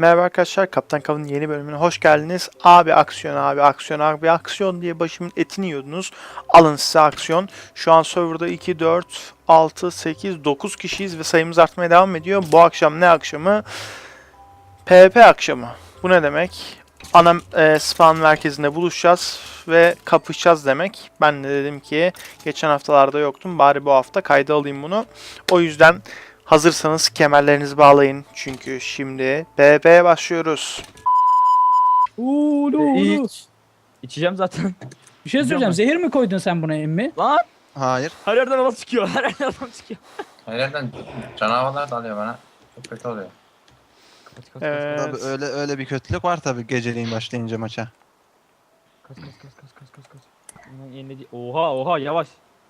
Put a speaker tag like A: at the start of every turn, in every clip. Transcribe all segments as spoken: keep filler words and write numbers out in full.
A: Merhaba arkadaşlar, Kaptan Kav'ın yeni bölümüne hoş geldiniz. Abi aksiyon, abi aksiyon, abi aksiyon diye başımın etini yiyordunuz. Alın size aksiyon. Şu an serverda iki, dört, altı, sekiz, dokuz kişiyiz ve sayımız artmaya devam ediyor. Bu akşam ne akşamı? PvP akşamı. Bu ne demek? Ana e, spawn merkezinde buluşacağız ve kapışacağız demek. Ben de dedim ki geçen haftalarda yoktum, bari bu hafta kayda alayım bunu. O yüzden hazırsanız kemerlerinizi bağlayın. Çünkü şimdi PvP'ye başlıyoruz.
B: Uuu uuu.
C: İç. İçeceğim zaten.
B: Bir şey söyleyeceğim. Zehir mi koydun sen buna emmi?
C: Lan
D: Hayır.
C: her yerden adam çıkıyor. Her yerden adam çıkıyor.
E: Her yerden canavarlar dalıyor bana. Çok kötü oluyor.
C: Kaç kaç
A: Evet.
D: Tabii öyle öyle bir kötülük var tabii geceliğin başlayınca maça.
C: kaç kaç kaç kaç kaç kaç kaç. Bundan yeniledi. Oha oha yavaş.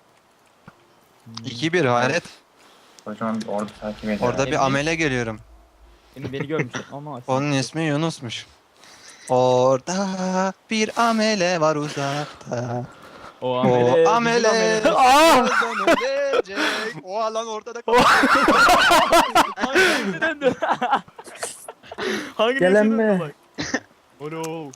D: iki bir hayret.
E: Kocaman bir ordu takip ediyor.
D: Orada bir
C: Emmi-
D: amele görüyorum.
C: Beni beni görmüş ama.
D: Onun ismi Yunus'muş. Orada bir amele var uzakta.
C: O
D: O
C: amele.
D: amele.
C: bizim
A: Aa!
D: birazdan ölecek. O alan ortada.
C: Hangi döndü? Hangi
B: Gelenme.
C: döndü bak. Oh no.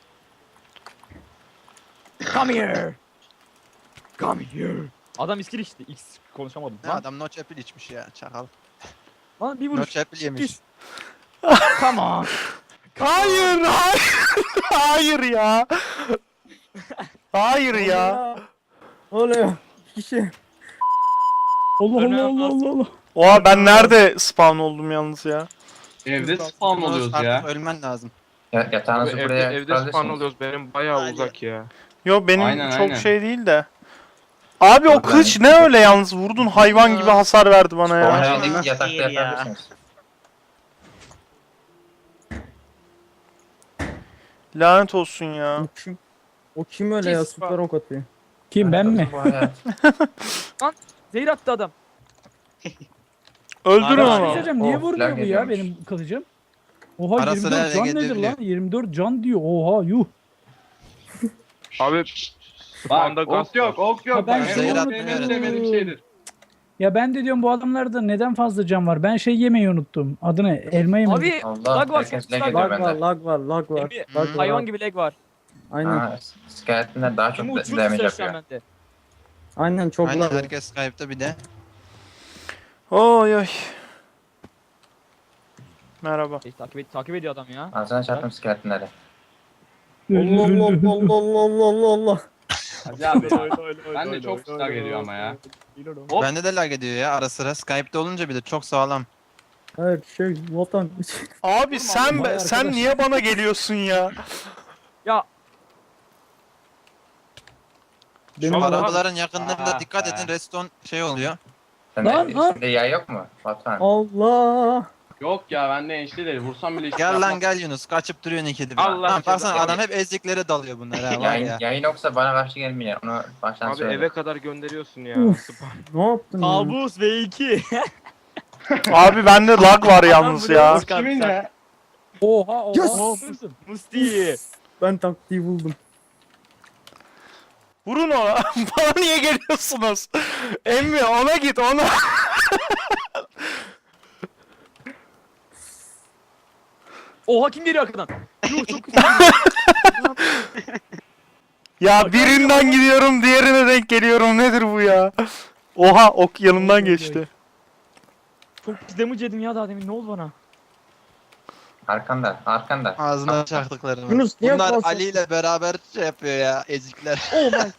C: Come here. Come here. Adam iskil içti. X konuşamadım.
D: Ne
C: Lan,
D: adam no chapel içmiş ya çakal.
C: lan bir
D: No
C: vuruş.
D: chapel yemiş.
C: Come on.
A: Hayır, hayır, hayır ya. Hayır ya.
B: Oluyor. Kişi. Allah Allah Allah Allah Allah.
A: Oha, ben nerede spawn oldum yalnız ya?
F: Evde spawn oluyoruz
D: Artık
F: ya.
D: ölmen lazım.
E: Ya, yatağınızı
F: Abi
E: buraya
F: evde, evde
E: kurabilirsiniz.
F: spawn oluyoruz. Benim bayağı
D: Hadi.
F: uzak ya.
A: Yo, benim
F: Aynen,
A: çok
F: aynen.
A: şey değil de. Abi o
E: Yok,
A: kılıç
E: ben-
A: ne öyle yalnız, vurdun hayvan gibi hasar verdi bana ya.
E: Spawn
D: Ya.
E: evindeki yatakta
D: Hayır ya.
E: yapabilirsiniz.
A: Lanet olsun ya.
G: O kim? O kim öyle ya?
C: Cis
G: Süper ok atıyor.
B: Kim, ben mi?
E: Bu hayat.
C: Zehir attı adam.
A: Öldürün
B: Bir şey
A: onu.
B: söyleyeceğim. Niye
E: Oh,
B: vurmuyor
E: lag
B: bu ya
E: ediyormuş.
B: benim kılıcım? Oha,
D: Ara
B: yirmi
D: sıra
B: dört can
D: lag
B: nedir
D: edebiliyor.
B: lan? yirmi dört can diyor. Oha yuh.
F: Abi spawn'da
H: Bak,
F: gaz
H: ok yok, ok yok.
B: Ha, ben
H: Bak,
D: şey
H: benim,
D: unuttum.
H: benim en sevmediğim şeydir.
B: Ya ben de diyorum bu adamlarda neden fazla can var? Ben şey yemeyi unuttum. Adı ne? Elma yemeyi.
C: Abi
E: Allah,
C: lag var.
E: herkes
C: çok
E: lag
C: lag
E: ediyor
C: var.
G: Lag var,
E: bende.
G: lag var, lag var.
C: Emmi,
G: Lag var.
C: hayvan gibi lag var.
G: Aynen.
E: Ha, skeletler daha çok
C: Şimdi
E: da-
C: uçuyor
E: damage
C: tutuyor şu an
E: yapıyor.
C: bende.
G: Aynen çok
D: Aynen
G: lag var.
D: herkes Skype'ta bir de.
A: Oy oy. Merhaba.
C: Şey, takip, ed takip ediyor adam ya.
E: Ağzına çarptım skeletleri.
G: Allah Allah Allah Allah Allah Allah.
H: Hadi abi ya. Ben de çok lag ediyor ama ya. Hop.
D: Bende de lag ediyor ya ara sıra. Skype'ta olunca bir de çok sağlam.
G: Her şey vatan.
A: Abi sen
B: vay
A: sen
B: arkadaş.
A: niye bana geliyorsun ya?
C: Ya
D: Şu
H: Ama-
D: arabaların yakınlarında
H: Ah
D: dikkat
H: be.
D: edin redstone şey oluyor.
E: Sende
B: Lan, lan.
E: üstünde yay yok mu? Batuhan.
G: Allah.
H: Yok ya bende enişte değil. Vursam bile hiç
D: Gel lan
H: yapmaz.
D: gel Yunus kaçıp duruyorsun ikide bir.
F: Allah
D: Lan baksana
E: Allah.
D: adam hep eziklere dalıyor bunlar ha var
E: Yayın,
D: ya.
E: yayın yoksa bana karşı gelmeyin. Onu baştan
F: abi
E: söyle.
F: eve kadar gönderiyorsun ya.
G: Uf.
F: Spawn.
G: Ne yaptın ya?
C: kabus V iki.
A: Abi bende lag var yalnız
C: Adam
A: ya.
C: buraya
H: Kimin ne?
B: Oha oha.
G: Yes!
B: oha.
C: Musti.
G: Ben taktiği buldum.
A: Vurun ona. Bana niye geliyorsunuz? Emmi ona git ona.
C: Oha kim geliyor arkadan? Yuh çok güzel.
A: Ya birinden gidiyorum diğerine denk geliyorum. Nedir bu ya? Oha, ok yanımdan geçti.
C: Çok pis damage yedim ya daha demin, ne oldu bana?
E: Arkanda, arkanda.
D: Ağzına çaktıklarını.
G: Yunus, niye
D: Bunlar
G: kalsın?
D: Ali ile beraber şey yapıyor ya ezikler.
C: Oh my.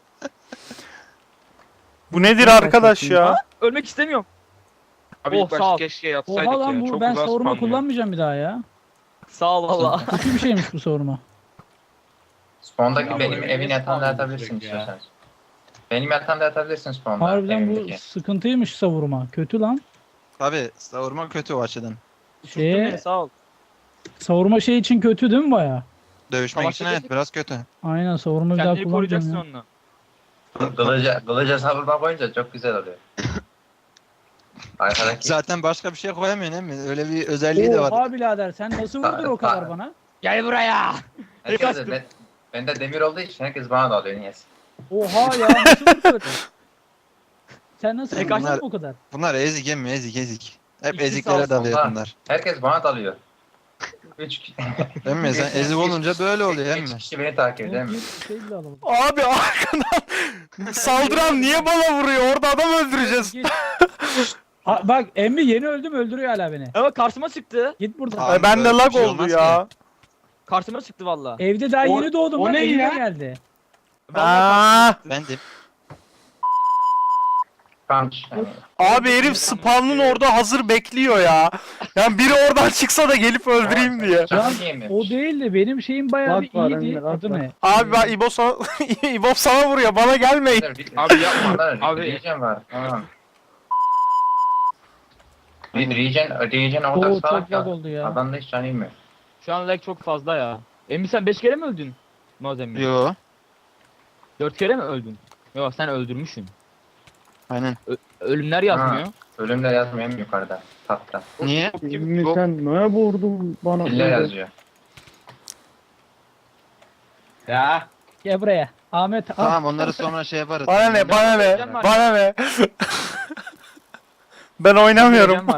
A: Bu nedir arkadaş ya?
C: Ölmek istemiyorum.
F: Abi
C: Oh,
F: ilk
C: sağ
F: başta
C: ol.
F: keşke yatsaydık
B: Oha lan
F: ya.
B: bu,
F: Çok
B: ben
F: uzak
B: savurma
F: spawn ya.
B: kullanmayacağım bir daha ya.
C: Sağ ol valla.
B: Kötü bir şeymiş bu savurma.
E: Spawn'daki
H: Ya
E: benim
H: bu
E: evin
H: niye
E: yatağında
H: spawn
E: yatabilirsin
H: olacak ya?
E: istiyorsanız. Benim yatağımda yatabilirsin spawn'da.
B: Harbiden bu
E: evimdeki.
B: sıkıntıymış savurma. Kötü lan.
D: Tabi savurma kötü o açıdan.
B: Şeye,
C: Şeye... Sağ ol.
B: savurma şey için kötü değil mi baya?
D: Dövüşmek
C: Savaş
D: için evet
C: edecek.
D: biraz kötü.
B: Aynen, savurma bir daha
C: Kendini koruyacaksın
B: kullanmayacağım ya.
C: onunla.
E: Kılıca, kılıca savurma koyunca çok güzel oluyor. Arkadaki
D: Zaten başka bir şey koyamıyorsun değil mi? Öyle bir özelliği de var.
B: Oha birader, sen nasıl vurdun o kadar bana?
C: Gel buraya.
E: herkes
C: kaçtım.
E: de, ben, bende demir olduğu için herkes bana dalıyor niyeyse.
B: Oha ya, nasıl vurdun? Sen nasıl
C: E,
B: vurdun
D: bunlar-
B: o kadar?
D: Bunlar ezik emmi ezik ezik. Hep
C: İkisi
D: eziklere
C: sağ
D: dalıyor
E: olsun.
D: bunlar.
E: Herkes bana dalıyor. üç kişi.
D: Emmi sen ezik olunca böyle oluyor
E: üç
D: emmi.
E: kişi beni takip ediyor. Emmi.
B: Bir şey bile alamadım.
A: Abi arkadan saldıran niye bana vuruyor? Orada adam öldüreceğiz.
B: Git. Ha, bak emmi yeni öldüm öldürüyor hala beni.
C: Ama karşıma çıktı.
B: Git buradan.
D: Aa,
A: Ay, bende
D: böyle
A: lag
D: bir şey
A: oldu
D: olmaz
A: ya.
C: Karşıma çıktı valla.
B: Evde daha
H: O-
B: yeni doğdum
H: o
B: lan
H: ne
B: evime
H: ya?
B: geldi.
A: Aa,
D: Bendim.
E: Punch. Yani.
A: abi herif spawn'ın orada hazır bekliyor ya. Yani biri oradan çıksa da gelip öldüreyim diye.
B: Can,
E: Canı yemiyor.
B: O değil de benim şeyim bayağı bir
G: Bak var
B: iyiydi.
G: Emre, bak
B: Adı
G: var.
B: ne?
A: Abi ben İbo sana, İbo sana vuruyor. Bana gelmeyin.
F: Abi yapma.
E: Abi.
F: Abi.
E: Regen var. Tamam. Bir regen, regen orada
B: Oo
E: sağ
B: çok lag
E: ya.
B: oldu ya.
E: Adamda hiç canı yemiyor.
C: Şu an lag çok fazla ya. Emmi sen beş kere mi öldün? Mazemmi.
D: Yo.
C: dört kere mi öldün? Yok sen öldürmüşsün.
D: Aynen.
C: Ölümler yazmıyor.
E: Ölümle yazmıyor hem yukarıda. Tahtta.
D: Niye?
G: Emmi sen ne vurdun bana?
E: Dille yazıyor.
H: Ya.
B: Gel buraya. Ahmet al.
D: Tamam onları sonra şey yaparız.
A: Bana ne? Bana ne?
C: Regen var.
A: Bana ne? Ben oynamıyorum.
C: Regen var.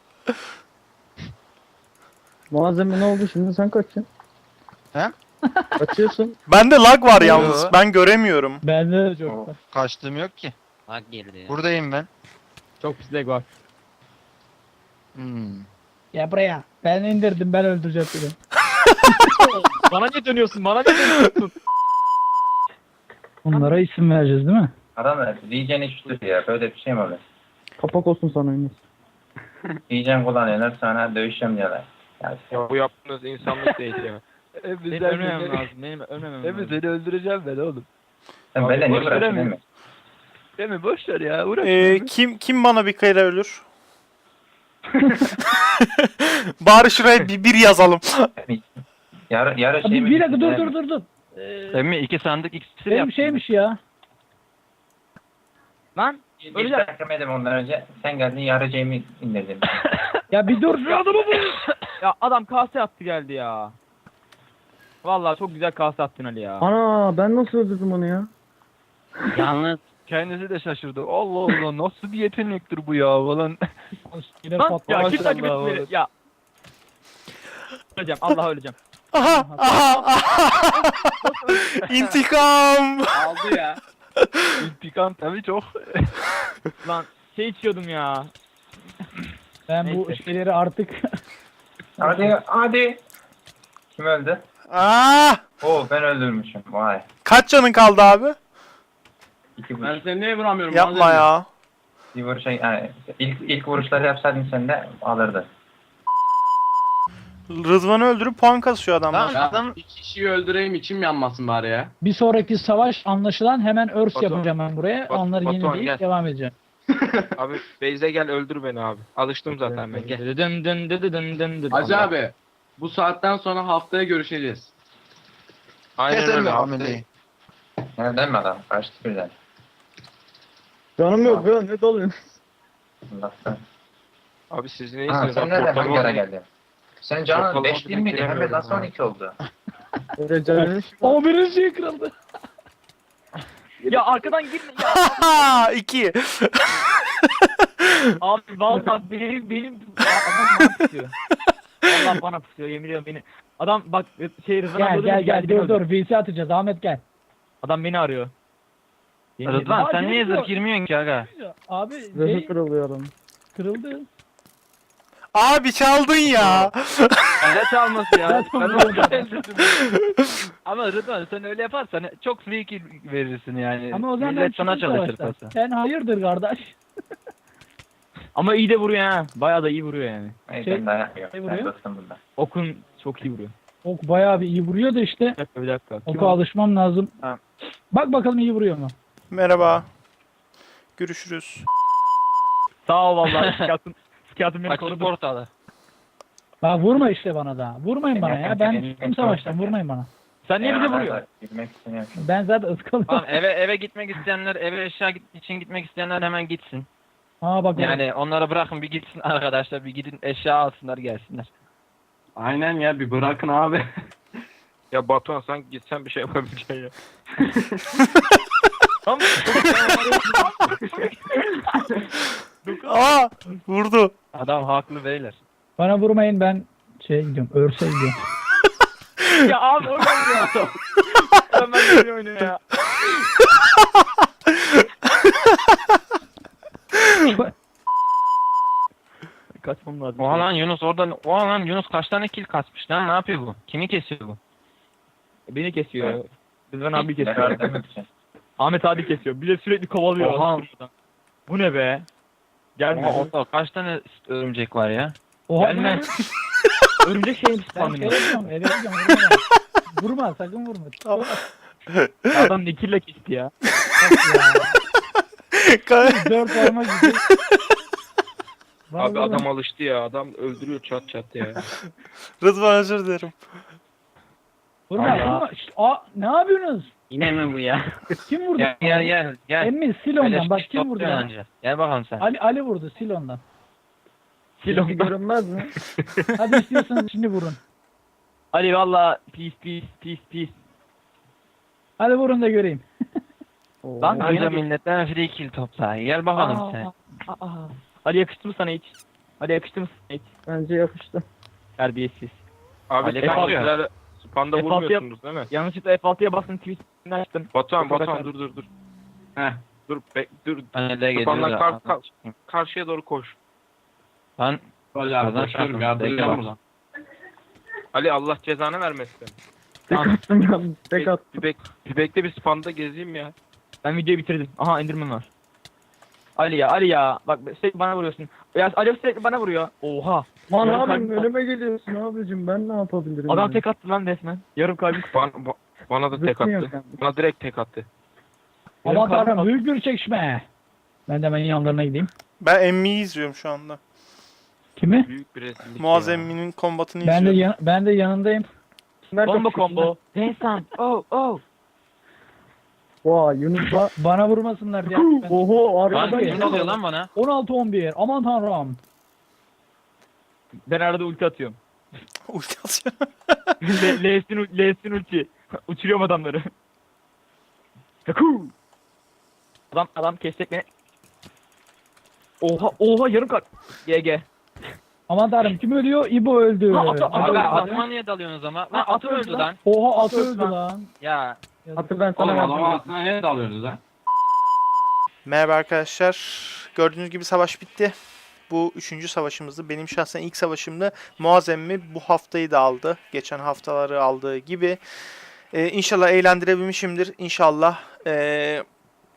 G: Malzeme ne oldu şimdi sen kaçıyorsun?
D: He?
G: Kaçıyorsun.
A: Bende lag var
D: Yo.
A: yalnız. Ben göremiyorum.
B: Bende de çok var.
D: Kaçtığım yok ki.
I: Bak girdi ya.
D: Buradayım ben.
C: Çok pis lag var.
D: Hmm.
B: Gel buraya. Ben indirdim ben öldüreceğim seni.
C: Bana niye dönüyorsun? Bana niye dönüyorsun?
B: Bunlara isim vereceğiz değil mi?
E: Adam regen içti ya. Böyle bir şey mi olur?
G: Kapak olsun sana Emmi.
E: Regen kullanıyorlar sonra dövüşeceğim diyorlar. Yani
F: Ya bu yaptığınız insanlık değil ya.
C: Benim ölmemem lazım. Benim ölmemem lazım.
F: seni öldüreceğim ben oğlum.
E: sen böyle niye
F: boş
E: uğraşıyorsun
F: veremiyorum.
E: değil mi?
F: Değil mi? Boş ver ya. Uğraş.
A: Ee, kim kim bana bir kere ölür? Bari şuraya bir, bir yazalım.
E: Yarı, yarı şey
B: Abi
E: mi?
B: bir dakika dur dur dur dur. Ee,
F: Emmi iki sandık ikisi
B: benim şeymiş ya.
C: Lan
E: İlk
C: öleceğim.
E: ben kırmadım ondan önce. Sen geldin yarı Jamie indirdin.
B: Ya bir dur şu adamı vur.
C: Ya adam kase attı geldi ya. Vallahi çok güzel kase attın Ali ya.
G: Ana ben nasıl öldürdüm onu ya?
F: Yalnız kendisi de şaşırdı. Allah Allah nasıl bir yetenektir bu ya falan.
B: Yine
C: Lan
B: patladı.
C: ya kim takip
F: Maşallah
C: etti beni?
F: oğlum.
C: Ya. Öleceğim. Allah öleceğim.
A: Aha, aha, aha. İntikam.
H: Aldı ya.
F: İntikam tabii çok.
C: Lan şey içiyordum ya.
B: Ben bu
C: Neyse.
B: şeyleri artık
E: Hadi hadi. Kim öldü?
A: Aa,
E: Oo ben öldürmüşüm. Vay.
A: kaç canın kaldı abi?
E: İki
H: Ben
E: vuruş.
H: seni niye vuramıyorum?
A: Yapma
H: malzeme?
A: ya.
E: Bir vuruşa yani ilk ilk vuruşları yapsaydın sen de alırdı.
A: Rızvan'ı öldürüp puan kasıyor adamlar.
H: Ya, bir kişiyi öldüreyim içim yanmasın bari ya.
B: bir sonraki savaş anlaşılan hemen örs
F: Batu-
B: yapacağım ben buraya.
F: Batu-
B: Onları
F: Batuhan,
B: yenileyip
F: gel.
B: devam edeceğim.
F: Abi Beyze gel öldür beni abi. Alıştım zaten ben gel.
C: Dın dın dın dın dın dın.
H: Hacı abi. Bu saatten sonra haftaya görüşeceğiz.
F: Aynen
D: Keser mi
F: öyle.
D: ameleyi?
E: Nereden mi adam? Kaçtı birden.
G: Canım yok ya ne dalıyorsun?
E: Allah'tan.
F: Abi siz
E: Ha
F: neyisiniz?
E: sen nereden hangi ara geldin? Senin canın
F: Ortalama
E: beş değil miydi? Hem de
F: beklemiyorum
E: nasıl
F: ha.
E: on iki oldu?
G: Öyle canım.
B: O birinci şey kırıldı.
C: Ya arkadan girme ya.
A: Aha, iki.
C: Abi vallahi benim benim adam bana pusuyor. Allah bana pusuyor yemin ediyorum beni. Adam bak şey Rıdvan
B: Gel
C: abi
B: gel
C: öldü,
B: gel
C: geldi, beni
B: dur
C: öldürdü.
B: dur V C atacağız Ahmet gel.
C: Adam beni arıyor. Yemin
F: Rıdvan
C: ederim.
F: sen
B: Aa,
F: niye
B: girmiyor.
F: zırh girmiyorsun ki aga?
B: Abi
G: Zırhı
B: şey
G: kırılıyor adam.
B: kırıldı.
A: Abi çaldın ya.
F: Ne çalması ya?
B: Ben
F: Ben
B: onu
F: onu öldürdüm. Ama Rıdvan sen öyle yaparsan çok free kill verirsin yani.
B: Ama o zaman ben
F: Millet sana
B: çıktım
F: çalışır
B: savaştan.
F: pası.
B: Sen hayırdır kardeş?
C: Ama iyi de vuruyor ha. Bayağı da iyi vuruyor yani.
E: Hayır
B: Şey-
E: ben dayak yiyorum.
B: şey
E: Ben
B: vuruyor.
E: dostum bundan.
C: Okun çok iyi vuruyor.
B: Ok bayağı bir iyi vuruyor da işte.
C: Bir dakika bir dakika. Kim
B: Oka
C: o?
B: alışmam lazım.
F: Ha.
B: Bak bakalım iyi vuruyor mu?
A: Merhaba. Görüşürüz.
C: Sağ ol vallahi. Sikatın, sikatın beni
F: Açtı
C: korudu.
F: portalı.
B: Bak vurma işte bana da. Vurmayın bana ya. Ben
E: Benim-
B: çıktım savaştan vurmayın bana.
C: Sen niye bize
E: Eyvallah,
C: vuruyorsun?
E: Gülmek istemiyorum.
B: Ben zaten ıskalıyorum.
F: Tamam eve eve gitmek isteyenler, eve eşya git- için gitmek isteyenler hemen gitsin.
B: Aa bak
F: Yani onlara bırakın bir gitsin arkadaşlar, bir gidin eşya alsınlar gelsinler.
H: Aynen ya bir bırakın abi.
F: Ya Batuhan sen gitsen bir şey yapabileceksin ya.
C: Tamam.
A: Aa, vurdu.
F: Adam haklı beyler.
B: bana vurmayın ben Şeye gidiyorum. Örse gidiyorum.
C: Ya abi o kadar ya. Ben ben oynuyor ya. Kaçmam lazım.
F: Oha lan Yunus oradan. Oha lan Yunus kaç tane kill kasmış lan? Ne yapıyor bu? Kimi kesiyor bu?
C: Beni kesiyor. Rıdvan abi
E: Zarar
C: kesiyor.
E: demek için.
C: Ahmet abi kesiyor. Bir de sürekli kovalıyor.
F: Oha.
C: Bu ne be? Gelme.
F: Oha orada kaç tane örümcek var ya?
B: Oha
C: Gelme. Örümcek şeyin
B: Ben
C: spamlıyor.
B: şey yapıyorum. Eve gidiyorum. Vurma. Vurma sakın vurma.
A: Tamam.
C: Adam ne kille kesti ya.
B: Dört parmak gibi. Bana
I: Abi
B: vurma.
I: adam alıştı ya. Adam öldürüyor çat çat ya.
A: Rıdvan özür dilerim.
B: Vurma
C: Allah.
B: vurma. Şşt, aa, ne yapıyorsunuz?
F: Yine mi bu ya?
B: Kim vurdu?
F: Gel gel gel. gel.
B: Emmi sil ondan.
F: Öyle
B: Bak
F: şey
B: kim vurdu
F: topluyorsun
B: ya?
F: anca. Gel bakalım sen.
B: Ali, Ali vurdu. Sil ondan.
C: Silon
B: Görünmez mi? Hadi istiyorsanız şimdi vurun.
C: Ali valla peace peace peace peace.
B: Hadi vurun da göreyim.
C: Lan
F: Anca
C: oyuna
F: milletten free kill topla. Gel bakalım
C: Aa,
F: sen.
C: aa. Ali yakıştı mı sana hiç? Ali yakıştı mı sana hiç?
B: Bence yakıştı.
C: Terbiyesiz.
I: Abi
F: Ali
I: sen
C: kalkıyor.
I: sizler spanda
C: F altı
I: vurmuyorsunuz değil mi?
C: Yanlışlıkla F altıya bastın tweetini açtın.
I: Batuhan
C: Çok
I: Batuhan
C: kadar-
I: dur dur dur. Heh dur be, dur.
F: Ben de
I: Spawn'dan
F: geliyor
I: kar-
F: da.
I: kar- karşıya doğru koş.
F: Lan
H: Böyle abi
F: Kazan
H: koşuyorum
F: şarkı.
H: yardıracağım
F: Bekle
H: buradan.
I: Ali Allah cezanı vermesin.
B: Tek attım yalnız. Tek
I: Bir,
B: attım.
I: bir, bek, bir bekle bir spanda gezeyim ya.
C: Ben videoyu bitirdim. Aha indirmem var. Ali ya Ali ya. Bak sürekli bana vuruyorsun. Ya Ali sürekli bana vuruyor. Oha.
B: Lan
C: Yarım
B: abim
C: kalbim-
B: önüme geliyorsun abicim ben ne yapabilirim?
C: Adam
B: yani?
C: tek attı lan resmen. Yarım kalbim.
I: Bana, ba- bana da tek
B: Zıplıyor
I: attı.
B: kanka.
I: Bana direkt tek attı.
B: Aman
C: Yarım kalbim
B: tanrım
C: attı.
B: büyük bir çekişme. Ben de hemen yanlarına gideyim.
A: Ben Emmi'yi izliyorum şu anda.
B: Kimi?
I: Büyük bir rezillik
A: Muaz
I: ya.
A: Emmi'nin kombatını
B: Ben de
A: izliyorum.
B: yan, ben de yanındayım.
C: Combo combo. Densan. Oh oh.
B: Vay Yunus ba- bana vurmasınlar diye. Oho
F: Lan
B: arkada
F: kim oluyor lan bana?
B: on altı on bir. Aman tanrım.
C: Ben arada ulti atıyorum.
A: Ulti atıyor.
C: Le- L'sin ul- L'sin ulti. Uçuruyorum adamları. Yaku. Adam adam kesecek beni. Oha oha yarım kalp. G G.
B: Aman tanrım kim ölüyor? İbo öldü.
C: Ha, atı-
F: Abi
C: Abi,
F: atıma niye dalıyorsunuz ama? Lan
C: Lan
F: atı
C: atı
F: öldü
C: öldü
F: lan.
B: Oha atı
C: Atı
B: öldü
C: lan.
B: lan.
F: Ya.
B: Atı ben
H: Oğlum
B: sana
H: adamın aklına ne dalıyorsunuz lan?
A: Merhaba arkadaşlar. Gördüğünüz gibi savaş bitti. Bu üçüncü savaşımızdı. Benim şahsen ilk savaşımdı. Muaz Emmi bu haftayı da aldı. Geçen haftaları aldığı gibi. Ee, inşallah eğlendirebilmişimdir. İnşallah ee,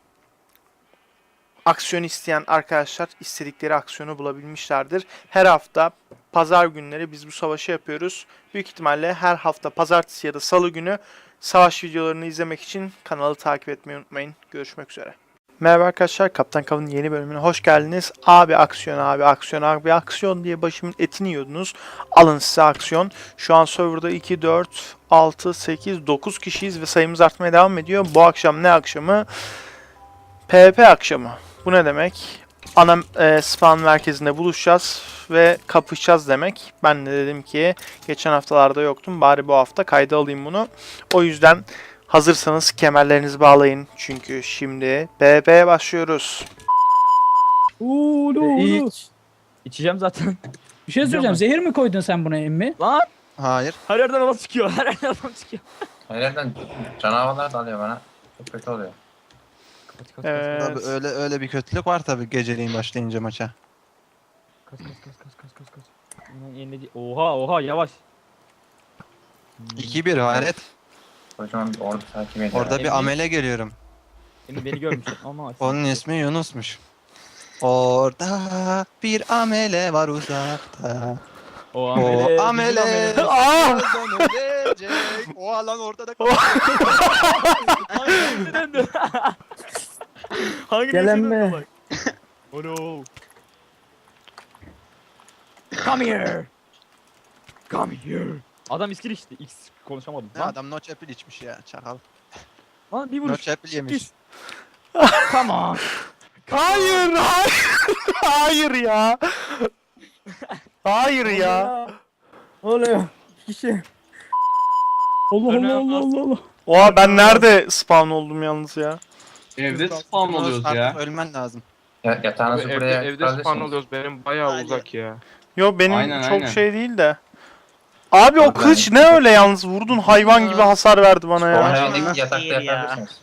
A: aksiyon isteyen arkadaşlar istedikleri aksiyonu bulabilmişlerdir. Her hafta pazar günleri biz bu savaşı yapıyoruz. Büyük ihtimalle her hafta pazartesi ya da salı günü savaş videolarını izlemek için kanalı takip etmeyi unutmayın. Görüşmek üzere. Merhaba arkadaşlar, Kaptan Kav'ın yeni bölümüne hoş geldiniz. Abi aksiyon, abi aksiyon, abi aksiyon diye başımın etini yiyordunuz. Alın size aksiyon. Şu an serverda iki, dört, altı, sekiz, dokuz kişiyiz ve sayımız artmaya devam ediyor. Bu akşam ne akşamı? PvP akşamı. Bu ne demek? Ana e, spawn merkezinde buluşacağız ve kapışacağız demek. Ben de dedim ki geçen haftalarda yoktum. Bari bu hafta kayda alayım bunu. O yüzden hazırsanız kemerlerinizi bağlayın. Çünkü şimdi PvP'ye başlıyoruz.
B: Uuu uuu.
C: İçeceğim zaten.
B: Bir şey söyleyeceğim. Zehir mi koydun sen buna emmi?
C: Lan
D: hayır.
C: her yerden adam çıkıyor. Her yerden adam çıkıyor.
E: Nereden canavarlar dalıyor bana. Çok kötü oluyor.
C: Kaç kaç
A: Evet.
D: Tabii öyle öyle bir kötülük var tabii geceliğin başlayınca maça.
C: kaç kaç kaç kaç kaç kaç kaç. Ulan yenileci- Oha oha yavaş.
D: iki bir hayret.
E: Kocaman bir ordu takip ediyor.
D: Orada bir amele geliyorum.
C: Beni beni görmüş ama.
D: Onun ismi Yunus'muş. Orada bir amele var uzakta.
C: O
D: O
C: amele.
D: amele.
C: bizim
A: Aa!
D: birazdan ölecek. O alan ortada
C: Hangi döndü? Hangi
B: Gelen
C: döndü
B: mi?
C: bak? Oh no. Come here. Come here. Adam iskil içti. X konuşamadım.
D: Ne
C: Lan,
D: adam no chapel içmiş ya çakal.
C: lan bir
D: No
C: vuruş.
D: chapel yemiş.
C: Come on.
A: Hayır, hayır, hayır ya. Hayır ya.
B: Oluyor. Kişi. Allah Allah Allah Allah Allah.
A: Oha ben nerede spawn oldum yalnız ya?
H: Evde spawn oluyoruz
D: Artık
H: ya.
D: ölmen lazım.
E: Ya,
I: Abi
E: yatağınızı
I: evde,
E: buraya
I: evde spawn
E: kurabilirsiniz.
I: oluyoruz. Benim bayağı
D: Hadi.
I: uzak ya.
A: Yo benim
H: Aynen,
A: çok
H: aynen.
A: şey değil de. Abi o kılıç ne öyle yalnız vurdun hayvan gibi hasar verdi bana ya.
E: Spawn
D: Ya.
E: evindeki yatakta
J: Değil ya.
E: yapabilirsiniz.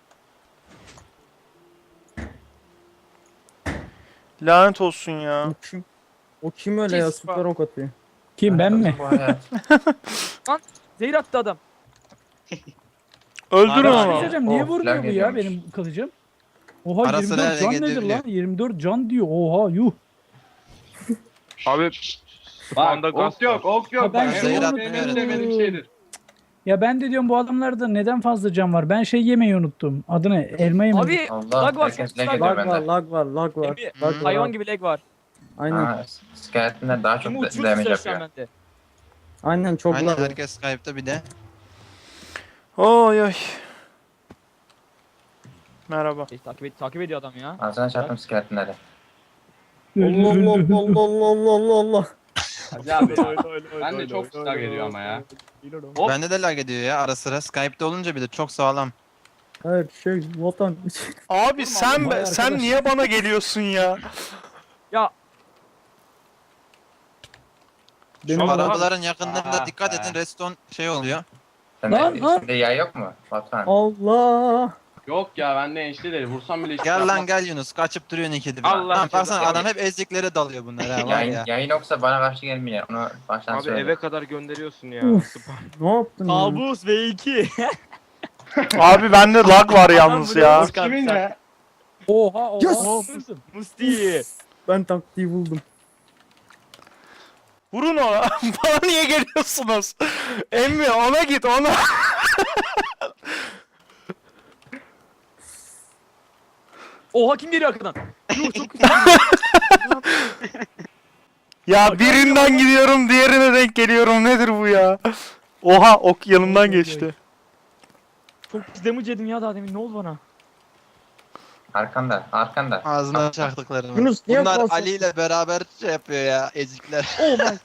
A: Lanet olsun ya.
G: O kim? O kim öyle ya? Süper ok atıyor.
B: Kim ben mi?
E: Bu hayat.
C: Zehir attı adam.
A: Öldürün
B: Bir şey
A: onu.
B: söyleyeceğim, niye
E: Oh,
B: vurmuyor
E: lag
B: bu ya
E: geliyormuş.
B: benim kılıcım? Oha
D: Ara
B: yirmi
D: sıra
B: dört can
D: lag
B: nedir
D: edebiliyor.
B: lan? yirmi dört can diyor. Oha yuh.
I: Abi
H: Bak
I: spawn'da gaz
H: ok yok ok
B: Ha,
H: yok.
B: ben
H: Bak,
G: şeyi
H: en
G: unuttum.
H: en sevmediğim şeydir.
B: Ya ben de diyorum bu adamlarda neden fazla can var? Ben şey yemeyi unuttum. Adı ne? Elma yemeyi.
C: Abi
E: Allah
C: lag var.
E: herkes
C: lag
E: lag
C: var.
E: ediyor
G: Lag var,
E: bende.
G: lag var, lag var.
C: Emmi,
G: Lag var.
C: hayvan gibi lag var.
G: Aynen.
E: Ha, skeletonlar daha çok
C: Kimi
E: da-
C: uçursun
E: damage
C: sen
E: yapıyor.
C: bende.
G: Aynen çok
D: Aynen
G: lag var.
D: herkes Skype'ta bir de.
A: Oy oy. Merhaba.
C: Şey, takip, et, takip ediyor adam ya.
E: Ağzına çarptım skeletonları.
G: Allah Allah Allah Allah Allah Allah.
H: Hacı abi ya. Ben de çok lag ediyor ama ya. Hop.
D: Bende de lag ediyor ya ara sıra. Skype'ta olunca bir de çok sağlam.
G: Her şey vatan.
A: Abi sen
B: Vay
A: sen
B: arkadaş.
A: niye bana geliyorsun ya?
C: Ya
G: Benim
D: Şu
G: arada
D: arabaların yakınlarında
H: Ah
D: dikkat
H: be.
D: edin redstone şey oluyor.
E: Sende
B: Lan, lan.
E: içinde yay yok mu? Batuhan.
G: Allah.
H: Yok ya bende enişte değil. Vursam bile hiç
D: Gel lan
H: yapmaz.
D: gel Yunus kaçıp duruyorsun ikide bir.
I: Allah
D: Tamam baksana
E: cezanı-
D: adam hep eziklere dalıyor bunlar ha var
E: Yayın,
D: ya.
E: yayın yoksa bana karşı gelmiyor. Onu baştan
I: abi
E: söyle.
I: eve kadar gönderiyorsun ya.
G: Uf.
I: Spawn.
G: Ne yaptın ya?
C: Kabus V iki.
A: Abi bende lag var yalnız ya.
H: Kimin ya?
B: Oha oha.
G: Yes!
B: Hırsın.
C: Musti.
G: Ben taktiği buldum.
A: Vurun ona. Bana niye geliyorsunuz? Emmi ona git ona.
C: Oha kim geliyor arkadan? Yuh çok
A: Ya birinden gidiyorum diğerine denk geliyorum. Nedir bu ya? Oha ok yanımdan geçti.
C: çok pis damage yedim ya daha demin. Ne oldu bana?
E: Arkanda, arkanda.
D: Ağzına çaktıklarını.
G: Yunus, niye
D: Bunlar
G: kalsın?
D: Ali ile beraber şey yapıyor ya ezikler.
C: Oh my.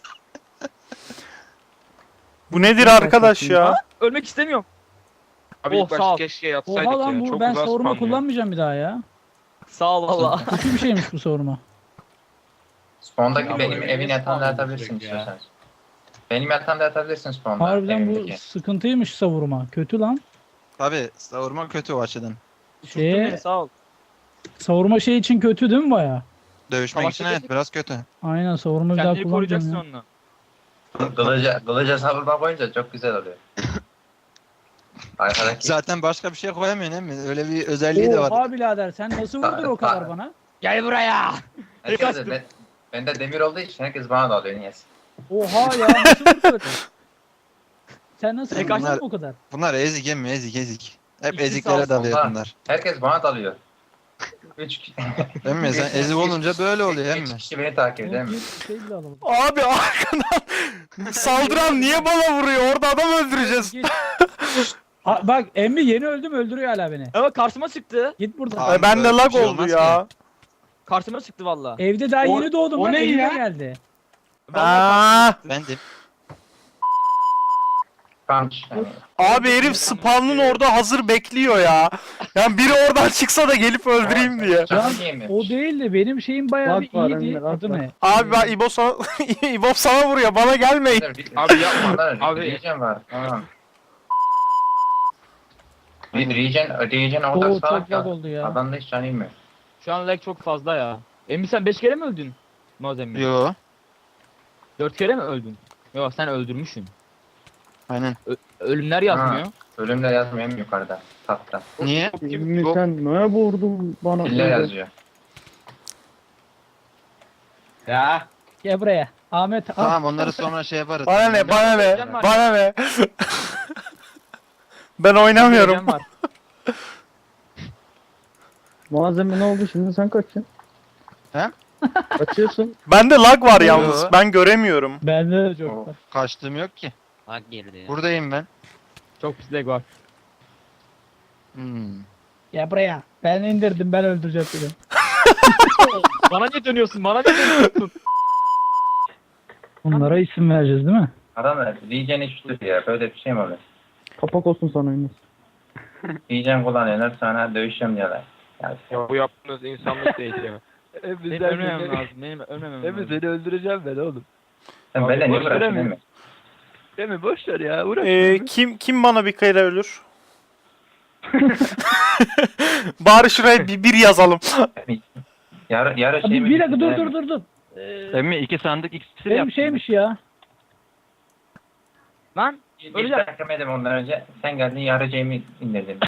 A: Bu nedir arkadaş ya?
C: Ölmek istemiyorum.
I: Abi
C: Oh,
I: ilk
C: sağ ol.
I: başta keşke yatsaydık
B: Oha lan
I: ya.
B: bu
I: Çok
B: ben
I: uzak
B: savurma
I: spawn ya.
B: kullanmayacağım bir daha ya.
C: Sağ ol valla.
B: Kötü bir şeymiş bu savurma.
E: Spawn'daki
H: Ya
E: benim
H: bu
E: evin
H: ne
E: yatağında
H: spawn
E: yatabilirsin
H: sürekli ya?
E: istiyorsanız. Benim yatağımda yatabilirsin spawn'da.
B: Harbiden bu
E: evimdeki.
B: sıkıntıymış savurma. Kötü lan.
D: Tabi savurma kötü o açıdan.
C: Uçurttun
B: Şey-
C: beni sağ ol.
B: Savurma şey için kötü değil mi baya?
D: Dövüşmek
C: Savaşta
D: için evet
C: dedik.
D: biraz kötü.
B: Aynen savurma bir daha
C: Kendini koruyacaksın
B: kullanacağım ya.
C: onunla.
E: Kılıca, kılıca savurma koyunca çok güzel oluyor. Arkadaki
D: Zaten başka bir şey koyamıyorsun değil mi? Öyle bir özelliği de var.
B: Oha birader sen nasıl vurdun o kadar bana?
C: Gel buraya.
E: herkes de, ben, bende demir olduğu için herkes bana da alıyor niyeyse.
B: Oha ya nasıl vurdun? Sen nasıl
C: Tek
B: vurdun
D: açtın.
B: o kadar?
D: Bunlar ezik emmi ezik ezik. Hep
C: İkisi
D: eziklere
C: sağ olsun,
D: dalıyor
E: ha.
D: bunlar.
E: Herkes bana dalıyor. Üç, ki-
D: Değil mi? Sen ezik olunca böyle oluyor
E: üç
D: emmi.
E: kişi beni takip ediyor
B: Yok,
E: değil mi?
B: bir şey bile alamadım.
A: Abi arkadan saldıran niye bana vuruyor? Orada adam öldüreceğiz.
B: Git. Ha, bak emmi yeni öldüm öldürüyor hala beni.
C: Evet karşıma çıktı.
B: Git buradan.
D: Abi
A: Ay, bende
D: böyle bir
A: lag
D: şey
A: oldu
D: olmaz
A: ya.
C: Karşıma çıktı valla.
B: Evde daha
H: O-
B: yeni doğdum
H: o
B: lan
H: ne
B: elime
H: ya?
B: geldi.
A: Aa,
D: Ben de.
E: Punch. Yani.
A: abi herif spawn'ın orada hazır bekliyor ya. Yani biri oradan çıksa da gelip öldüreyim diye.
E: Canım yemiyor.
B: O değil de benim şeyim bayağı
G: Lag
B: bir
G: var
B: iyiydi.
G: Emre, lag
B: Adı
G: var.
B: ne?
A: Abi ben İbo sana, İbo sana vuruyor. Bana gelmeyin.
I: Abi yapma.
E: Abi.
I: Abi.
E: Regen var. Tamam. Bir Regen, Regen
B: Oo
E: orada
B: çok
E: salak
B: lag
E: ya.
B: oldu ya.
E: Adamda hiç can inmiyor.
C: Şu an lag çok fazla ya. Emmi sen beş kere mi öldün? Nozemmi.
D: Yo.
C: dört kere mi öldün? Yok sen öldürmüşsün.
D: Aynen.
C: Ölümler yazmıyor.
E: Ölümler yazmıyor hem yukarıda. Tahtta.
D: Niye?
G: Emmi sen ne vurdun bana?
E: Killer
G: böyle?
E: yazıyor.
H: Ya.
B: Gel buraya. Ahmet al.
D: Tamam onları sonra şey yaparız.
A: Bana ne? Bana ne?
C: Can var.
A: Bana ne? Ben oynamıyorum.
C: Ölüm var.
G: Malzeme ne oldu şimdi sen kaçın?
D: He?
G: Kaçıyorsun.
A: Bende lag var
D: Yo.
A: yalnız. Ben göremiyorum.
B: Bende de çok
E: Oo.
B: var.
D: Kaçtığım yok ki.
J: Lag girdi.
D: Buradayım ben.
C: Çok pis lag var.
D: Hmm.
B: Gel buraya. Ben indirdim ben öldüreceğim seni.
C: Bana niye dönüyorsun? Bana niye dönüyorsun?
B: Onlara isim vereceğiz değil mi?
E: Adamlar Regen üçlü ya. Böyle bir şey mi oluyor?
G: Kapak olsun sana Yunus.
E: Regen kullanıyorlar sonra dövüşeceğim diyorlar. Yani
I: Ya bu yaptığınız insanlık değil ya.
C: Benim ölmemem lazım. Benim ölmemem lazım.
F: seni öldüreceğim ben oğlum.
E: sen
C: Abi,
E: benden niye
C: boş
E: bıraktın
C: veremiyorum.
E: değil mi?
F: Değil mi? Boş ver ya. Uğraşma.
A: Ee, kim kim bana bir kere ölür? Bari şuraya bir, bir yazalım.
E: Yarı, yarı şey
B: Abi
E: mi?
B: bir dakika dur dur dur dur. Ee,
F: Emmi iki sandık iksir
B: benim
F: yaptım.
B: şeymiş ya.
C: Lan
E: İlk ben yemedim ondan önce. Sen geldin yarı Jamie indirdin.